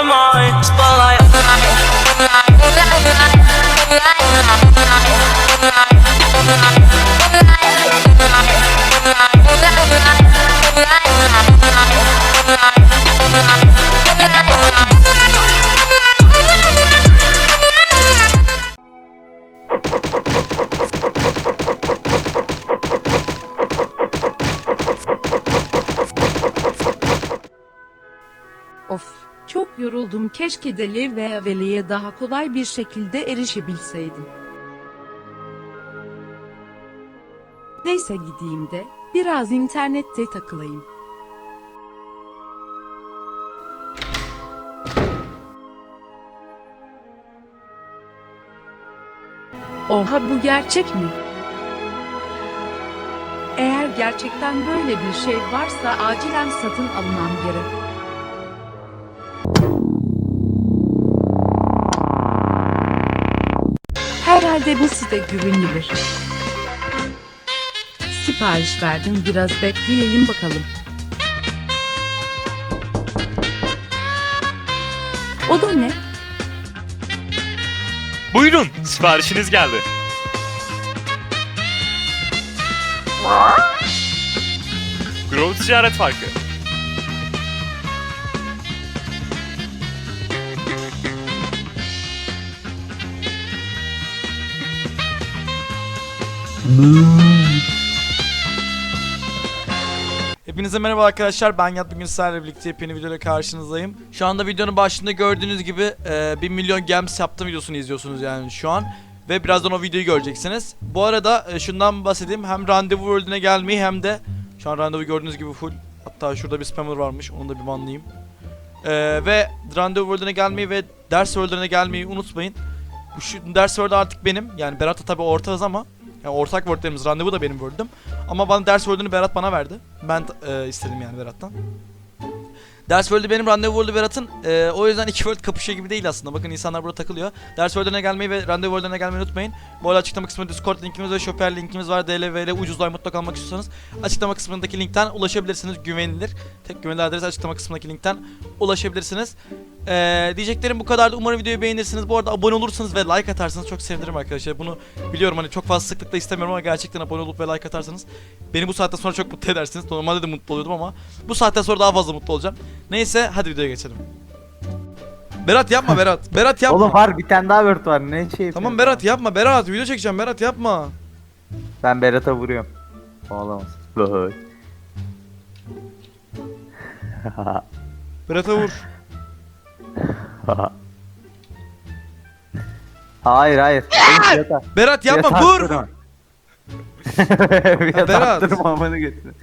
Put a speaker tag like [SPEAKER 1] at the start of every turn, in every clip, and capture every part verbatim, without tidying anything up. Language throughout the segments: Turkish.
[SPEAKER 1] mind. Spotlight.
[SPEAKER 2] Of, çok yoruldum. Keşke Deli ve Veli'ye daha kolay bir şekilde erişebilseydim. Neyse gideyim de biraz internette takılayım. Oha, bu gerçek mi? Eğer gerçekten böyle bir şey varsa acilen satın almam gerek. Herhalde bu site güvenilir. Sipariş verdim, biraz bekleyelim bakalım. O da ne?
[SPEAKER 3] Buyurun, siparişiniz geldi. Grove Ticaret Farkı.
[SPEAKER 4] Hepinize merhaba arkadaşlar, ben Yat. Bugün sizlerle birlikte yepyeni videoyla karşınızdayım. Şu anda videonun başında gördüğünüz gibi e, bir milyon gems yaptım videosunu izliyorsunuz yani şu an. Ve birazdan o videoyu göreceksiniz. Bu arada e, şundan bahsedeyim, hem randevu world'üne gelmeyi hem de şu an randevu gördüğünüz gibi full. Hatta şurada bir spammer varmış, onu da bir banlayayım. E, ve randevu world'üne gelmeyi ve ders world'üne gelmeyi unutmayın. Bu şu ders world artık benim, yani Berat'la tabi ortağız ama yani ortak world'lerimiz, randevu da benim world'üm. Ama bana ders world'ünü Berat bana verdi. Ben e, istedim yani Berat'tan. Ders world'ü benim, randevu world'ü Berat'ın. E, o yüzden iki world kapışıyor gibi değil aslında. Bakın insanlar burada takılıyor. Ders world'üne gelmeyi ve randevu world'üne gelmeyi unutmayın. Bu arada açıklama kısmında Discord linkimiz ve Shopper linkimiz var. D L V ile ucuzlar mutlaka almak istiyorsanız açıklama kısmındaki linkten ulaşabilirsiniz. Güvenilir. Tek güvenilir adres açıklama kısmındaki linkten ulaşabilirsiniz. Ee, diyeceklerim bu kadardı. Umarım videoyu beğenirsiniz. Bu arada abone olursanız ve like atarsanız çok sevinirim arkadaşlar. Bunu biliyorum, hani çok fazla sıklıkla istemiyorum ama gerçekten abone olup ve like atarsanız beni bu saatten sonra çok mutlu edersiniz. Normalde de mutlu oluyordum ama bu saatten sonra daha fazla mutlu olacağım. Neyse, hadi videoya geçelim. Berat yapma Berat. Berat yapma.
[SPEAKER 5] Oğlum var, bir tane daha Word var, ne şey
[SPEAKER 4] Tamam
[SPEAKER 5] yapıyorsun?
[SPEAKER 4] Berat yapma. Berat video çekeceğim. Berat yapma.
[SPEAKER 5] Ben Berat'a vuruyorum. Olamaz. Lohoy.
[SPEAKER 4] Berat'a vur.
[SPEAKER 5] Hayır hayır. Benim Berat'a.
[SPEAKER 4] Berat yapma,
[SPEAKER 5] Berat'a
[SPEAKER 4] vur.
[SPEAKER 5] attırma.
[SPEAKER 4] Berat.
[SPEAKER 5] Berat attırma, amanı götür.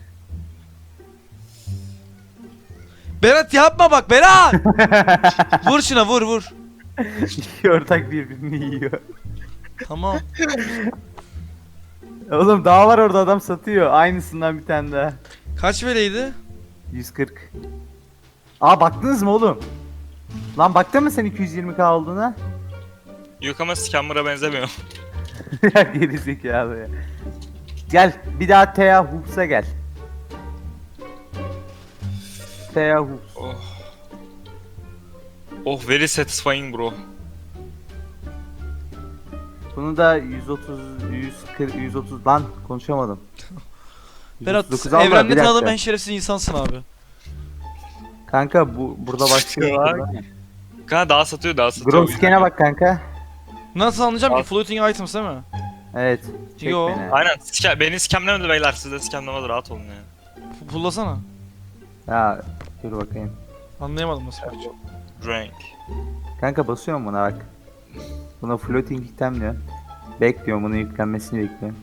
[SPEAKER 4] Berat yapma bak Berat. Vur şuna, vur vur.
[SPEAKER 5] İki ortak birbirini yiyor.
[SPEAKER 4] Tamam.
[SPEAKER 5] Oğlum daha var orada, adam satıyor. Aynısından bir tane daha.
[SPEAKER 4] Kaç veleydi?
[SPEAKER 5] yüz kırk. Aa, baktınız mı oğlum? Lan baktın mı sen iki yüz yirmi K olduğuna?
[SPEAKER 3] Yok ama scammer'a benzemiyor.
[SPEAKER 5] Ya geri zekalı ya. Gel bir daha Thea Hoops'a gel. Thea Hoops.
[SPEAKER 3] Oh. Oh, very satisfying bro.
[SPEAKER 5] Bunu da yüz otuz, yüz kırk, yüz otuz lan konuşamadım.
[SPEAKER 4] Berat,
[SPEAKER 5] yüz otuz dokuz al da, bir
[SPEAKER 4] evrende
[SPEAKER 5] dakika.
[SPEAKER 4] tanıdığım en şerefsiz insansın abi.
[SPEAKER 5] Kanka bu burada başlıyor.
[SPEAKER 3] Bak. Kanka daha satıyor, daha satıyor.
[SPEAKER 5] Grove scan'e bak kanka.
[SPEAKER 4] Nasıl anlayacağım
[SPEAKER 3] Al.
[SPEAKER 4] ki? Floating items değil mi?
[SPEAKER 5] Evet. Çek
[SPEAKER 4] Yo.
[SPEAKER 5] beni.
[SPEAKER 3] Aynen, ska beni scamlemedi beyler, siz de scamlemedi, rahat olun ya.
[SPEAKER 4] P- Pullasana.
[SPEAKER 5] Ya dur bakayım.
[SPEAKER 4] Anlayamadım nasıl yapacağım.
[SPEAKER 3] Rank.
[SPEAKER 5] Kanka basıyorum buna bak. Buna floating item diyor. Bekliyorum, bunun yüklenmesini bekliyorum.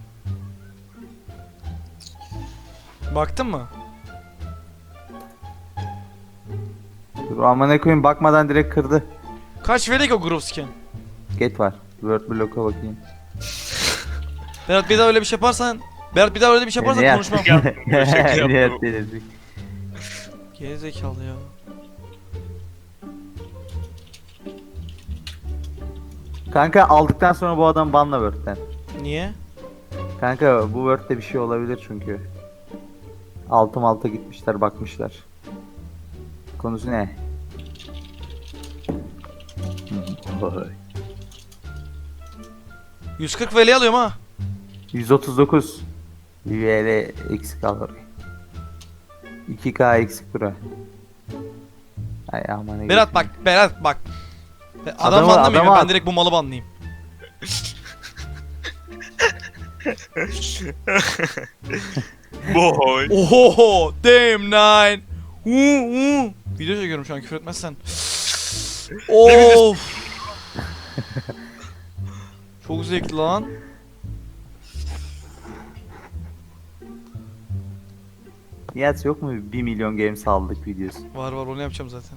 [SPEAKER 4] Baktın mı?
[SPEAKER 5] Dur amına koyayım, bakmadan direkt kırdı.
[SPEAKER 4] Kaç verecek o group scan?
[SPEAKER 5] Get var. Word block'a bakayım.
[SPEAKER 4] Berat bir daha öyle bir şey yaparsan... Berat bir daha öyle bir şey yaparsan
[SPEAKER 5] Nihat.
[SPEAKER 4] konuşmam.
[SPEAKER 3] Şaka yaptım.
[SPEAKER 5] Nihat delirdik.
[SPEAKER 4] Gerizekalı ya.
[SPEAKER 5] Kanka aldıktan sonra bu adam banla Word'den.
[SPEAKER 4] Niye?
[SPEAKER 5] Kanka bu Word'de bir şey olabilir çünkü. Altım alta gitmişler, bakmışlar. Konusu ne? Oy.
[SPEAKER 4] yüz kırk V L alıyorum ha.
[SPEAKER 5] yüz otuz dokuz. V L eksik al orayı. iki K eksik bura. Ay aman ne
[SPEAKER 4] Berat bak, Berat bak. Adam
[SPEAKER 5] Adamı-
[SPEAKER 4] banlamayayım
[SPEAKER 5] adamı
[SPEAKER 4] ben
[SPEAKER 5] at.
[SPEAKER 4] direkt bu malı banlayayım.
[SPEAKER 3] Boy.
[SPEAKER 4] Oho, damn nine. Hu hu. Video çekiyorum şu an küfür etmezsen. Of. Çok zevkli lan.
[SPEAKER 5] Nihat yok mu bir milyon games aldık videosu?
[SPEAKER 4] Var var onu yapacağım zaten.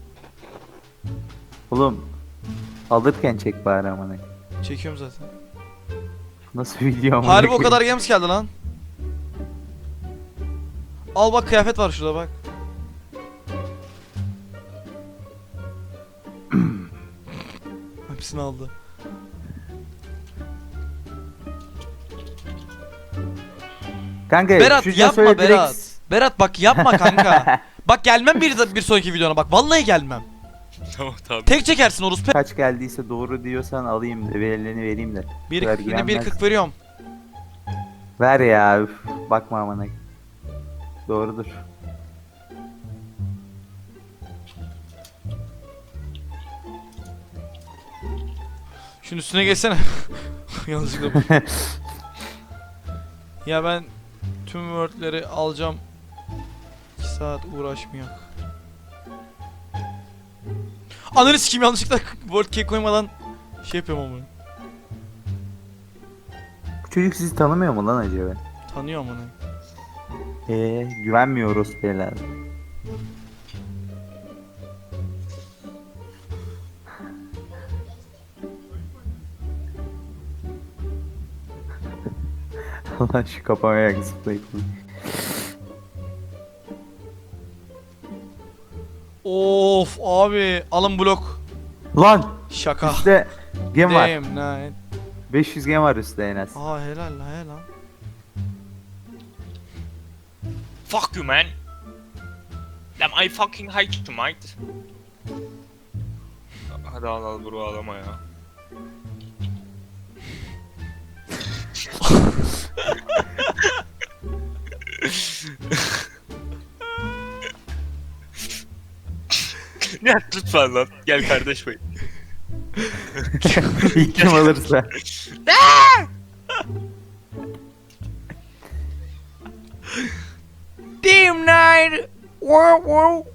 [SPEAKER 5] Oğlum alırken çek bari aman.
[SPEAKER 4] Çekiyorum zaten.
[SPEAKER 5] Nasıl video amına
[SPEAKER 4] Harbi o
[SPEAKER 5] koyayım?
[SPEAKER 4] kadar games geldi lan. Al bak kıyafet var şurada bak. Hepsini aldı.
[SPEAKER 5] Kanka
[SPEAKER 4] Berat
[SPEAKER 5] şu
[SPEAKER 4] yapma
[SPEAKER 5] söyle direkt-
[SPEAKER 4] Berat. Berat bak yapma kanka. Bak gelmem bir, bir sonraki videona bak. Vallahi gelmem.
[SPEAKER 3] Tamam tamam.
[SPEAKER 4] Tek çekersin orospu.
[SPEAKER 5] Kaç geldiyse doğru diyorsan alayım de verileni vereyim de.
[SPEAKER 4] Bir,
[SPEAKER 5] Ver,
[SPEAKER 4] yine bir
[SPEAKER 5] güvenmez.
[SPEAKER 4] kırk veriyorum.
[SPEAKER 5] Ver ya üf, bakma amına. Doğrudur.
[SPEAKER 4] Şunun üstüne geçsene. Yanlışlıkla bu. Ya ben tüm wordleri alacağım. iki saat uğraşmıyor. Ananı sikeyim yanlışlıkla word key koymadan şey yapıyorum ama.
[SPEAKER 5] Bu çocuk sizi tanımıyor mu lan acaba?
[SPEAKER 4] Tanıyorum onu.
[SPEAKER 5] Eee güvenmiyoruz beyler. Allah şu kapamaya zıplayıp.
[SPEAKER 4] Of abi alın blok.
[SPEAKER 5] Lan
[SPEAKER 4] Şaka.
[SPEAKER 5] üstte gem var.
[SPEAKER 4] Damn nine.
[SPEAKER 5] beş yüz gem var üstte en az.
[SPEAKER 4] Aa helal la helal.
[SPEAKER 3] Fuck you man. Damn I fucking hate you mate. Hadi al al bro ağlama ya. Ya lütfen lan gel kardeş bey.
[SPEAKER 5] İlk kim alırsa.
[SPEAKER 4] Damn nine. Wow wow.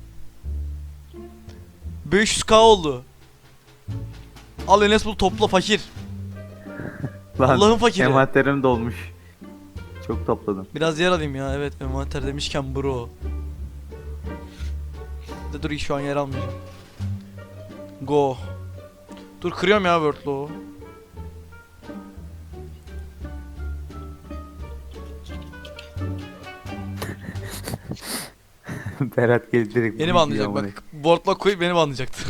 [SPEAKER 4] beş yüz k oldu. Al Enes bul topla fakir.
[SPEAKER 5] Lan
[SPEAKER 4] Allah'ın fakiri.
[SPEAKER 5] envanterim dolmuş. Çok topladım.
[SPEAKER 4] Biraz yer alayım ya evet envanter demişken bro. De dur şu an yer almayacağım. Go. Dur kırıyorum ya word'lu.
[SPEAKER 5] Berat geldi direkt.
[SPEAKER 4] Beni
[SPEAKER 5] bu
[SPEAKER 4] banlayacak
[SPEAKER 5] videoya
[SPEAKER 4] bak. Word'la koyup beni banlayacaktı.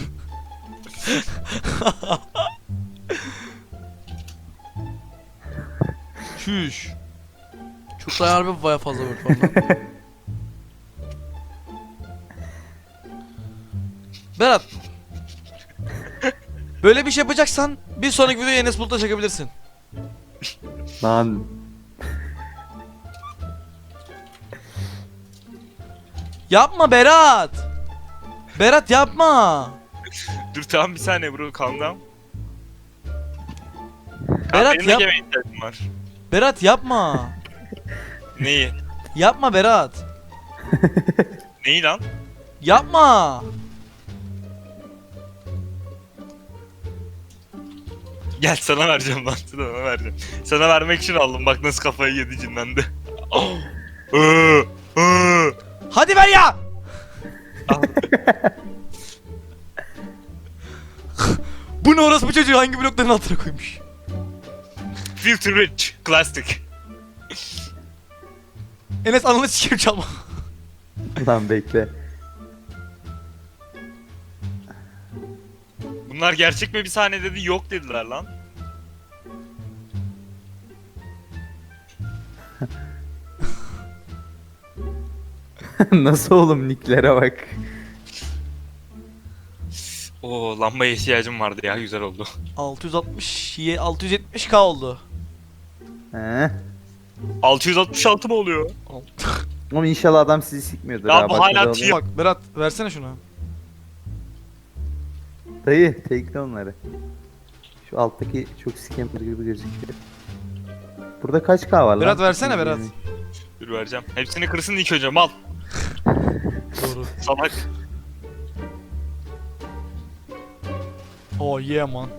[SPEAKER 4] Şuş. Çok da harbi baya fazla word var lan. Berat. Böyle bir şey yapacaksan bir sonraki videoyu Enes Bulut'la çekebilirsin.
[SPEAKER 5] Lan
[SPEAKER 4] Yapma Berat. Berat yapma.
[SPEAKER 3] Dur tamam bir saniye bro calm down.
[SPEAKER 4] Berat
[SPEAKER 3] benim de
[SPEAKER 4] yap.
[SPEAKER 3] gene ihtiyacım var.
[SPEAKER 4] Berat yapma.
[SPEAKER 3] Neyi?
[SPEAKER 4] Yapma Berat.
[SPEAKER 3] Neyi lan?
[SPEAKER 4] Yapma.
[SPEAKER 3] Gel sana vereceğim lan sana vereceğim. Sana vermek için aldım bak nasıl kafayı yedi cinlendi. Iıı, ıı.
[SPEAKER 4] Hadi ver ya.
[SPEAKER 3] Al.
[SPEAKER 4] Bu ne orası bu çocuğu hangi blokların altına koymuş?
[SPEAKER 3] Filter rich, classic.
[SPEAKER 4] Enes ananı sikeyim çalma.
[SPEAKER 5] lan bekle.
[SPEAKER 3] Bunlar gerçek mi bir saniye dedi yok dediler lan.
[SPEAKER 5] Nasıl oğlum nicklere bak.
[SPEAKER 3] Oo, lambaya ihtiyacım vardı ya, güzel oldu.
[SPEAKER 4] altı yüz altmış ye- altı yüz yetmiş K oldu.
[SPEAKER 5] He.
[SPEAKER 3] altı yüz altmış altı mı oluyor?
[SPEAKER 5] Ama inşallah adam sizi sikmiyordur
[SPEAKER 3] Ya
[SPEAKER 5] ha.
[SPEAKER 3] bu
[SPEAKER 5] bak
[SPEAKER 3] hala
[SPEAKER 5] öyle oluyor.
[SPEAKER 3] tier-
[SPEAKER 4] Bak Berat versene şunu.
[SPEAKER 5] Dayı tekle onları. Şu alttaki çok scamper gibi gözüküyor. Burada kaç K var lan?
[SPEAKER 4] Berat versene Berat.
[SPEAKER 3] Dur vereceğim. Hepsini kırsın ilk önce, mal.
[SPEAKER 4] Doğru.
[SPEAKER 3] Salak.
[SPEAKER 4] Oh yeah man.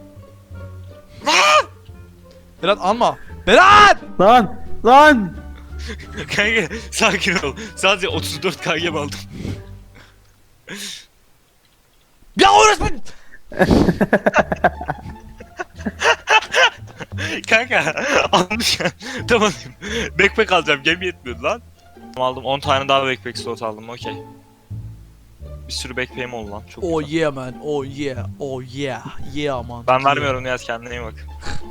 [SPEAKER 4] Berat alma. Berat!
[SPEAKER 5] Lan! Lan!
[SPEAKER 3] Kanka sakin ol. Sadece otuz dört K gem aldım.
[SPEAKER 4] Ya orası
[SPEAKER 3] Kanka almış ya. Tamam. Backpack alacağım. Gem yetmiyordu lan. Aldım on tane daha backpack slot aldım. Okey. Bir sürü backpack'im oldu lan. Çok
[SPEAKER 4] Oh
[SPEAKER 3] güzel.
[SPEAKER 4] yeah man. Oh yeah. Oh yeah. Yeah man.
[SPEAKER 3] Ben
[SPEAKER 4] Yeah.
[SPEAKER 3] vermiyorum Nihat, kendine iyi bak.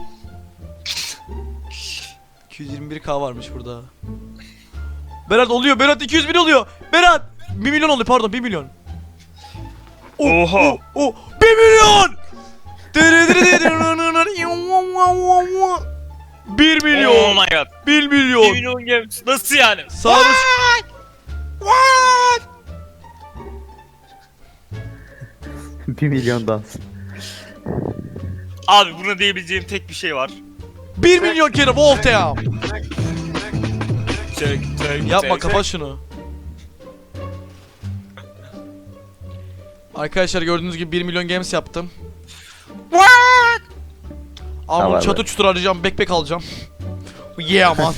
[SPEAKER 4] iki yüz yirmi bir K varmış burada. Berat oluyor. Berat iki yüz bin oluyor. Berat bir milyon oldu pardon bir milyon. Oh,
[SPEAKER 3] Oha.
[SPEAKER 4] Oh, oh, bir milyon. bir milyon.
[SPEAKER 3] Oh my god.
[SPEAKER 4] bir
[SPEAKER 3] bir
[SPEAKER 4] milyon.
[SPEAKER 3] milyon gem. Nasıl yani?
[SPEAKER 4] Sağ ol.
[SPEAKER 5] bir milyon dans.
[SPEAKER 3] Abi buna diyebileceğim tek bir şey var.
[SPEAKER 4] bir milyon kere Voltaire.
[SPEAKER 3] Çek, çek,
[SPEAKER 4] Yapma
[SPEAKER 3] çek,
[SPEAKER 4] kapat şunu. Arkadaşlar gördüğünüz gibi bir milyon games yaptım. Ama
[SPEAKER 5] Tamam,
[SPEAKER 4] çatı
[SPEAKER 5] evet.
[SPEAKER 4] çutur arayacağım, backpack alacağım. Yeah man.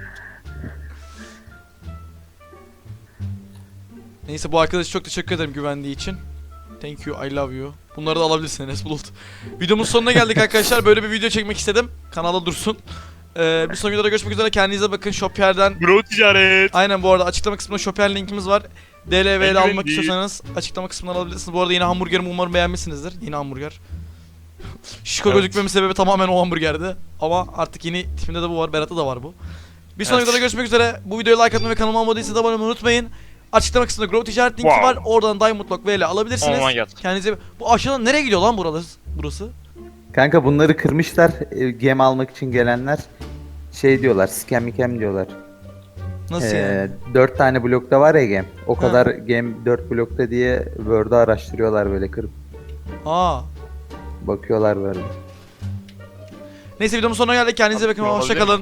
[SPEAKER 4] Neyse bu arkadaşa çok teşekkür ederim güvendiği için. Thank you, I love you. Bunları da alabilirsin Enes Bulut. Videomuzun sonuna geldik arkadaşlar. Böyle bir video çekmek istedim. Kanalda dursun. Ee, bir sonraki videoda görüşmek üzere. Kendinize bakın. Shopier'den.
[SPEAKER 3] Bro ticaret.
[SPEAKER 4] Aynen bu arada açıklama kısmında Shopier linkimiz var. D L V ile almak
[SPEAKER 3] Eldiven
[SPEAKER 4] istiyorsanız açıklama kısmından alabilirsiniz. Bu arada yine hamburgerimi umarım beğenmişsinizdir. Yine hamburger. Şişko
[SPEAKER 3] Evet.
[SPEAKER 4] gözükmemin sebebi tamamen o hamburgerdi. Ama artık yeni tipinde de bu var. Berat'ta da var bu. Bir sonraki
[SPEAKER 3] Evet.
[SPEAKER 4] videoda görüşmek üzere. Bu videoya like atmayı ve kanalıma abone değilseniz abone olmayı unutmayın. Açıklama kısmında Grow Ticaret linki
[SPEAKER 3] Wow.
[SPEAKER 4] var. Oradan Diamond Lock V ile alabilirsiniz.
[SPEAKER 3] Oh my god.
[SPEAKER 4] Kendinize bu aşağıdan nereye gidiyor lan burası? Burası?
[SPEAKER 5] Kanka bunları kırmışlar. e, Gem almak için gelenler şey diyorlar. Scam mikem diyorlar.
[SPEAKER 4] Nasıl yani?
[SPEAKER 5] Ee, dört tane blokta var ya gem. O
[SPEAKER 4] Ha.
[SPEAKER 5] kadar gem dört blokta diye Word'u araştırıyorlar böyle kırıp.
[SPEAKER 4] Aa.
[SPEAKER 5] Bakıyorlar böyle.
[SPEAKER 4] Neyse videomun sonuna geldik. Kendinize
[SPEAKER 3] Abi,
[SPEAKER 4] bakın.
[SPEAKER 3] olabilir.
[SPEAKER 4] Hoşçakalın.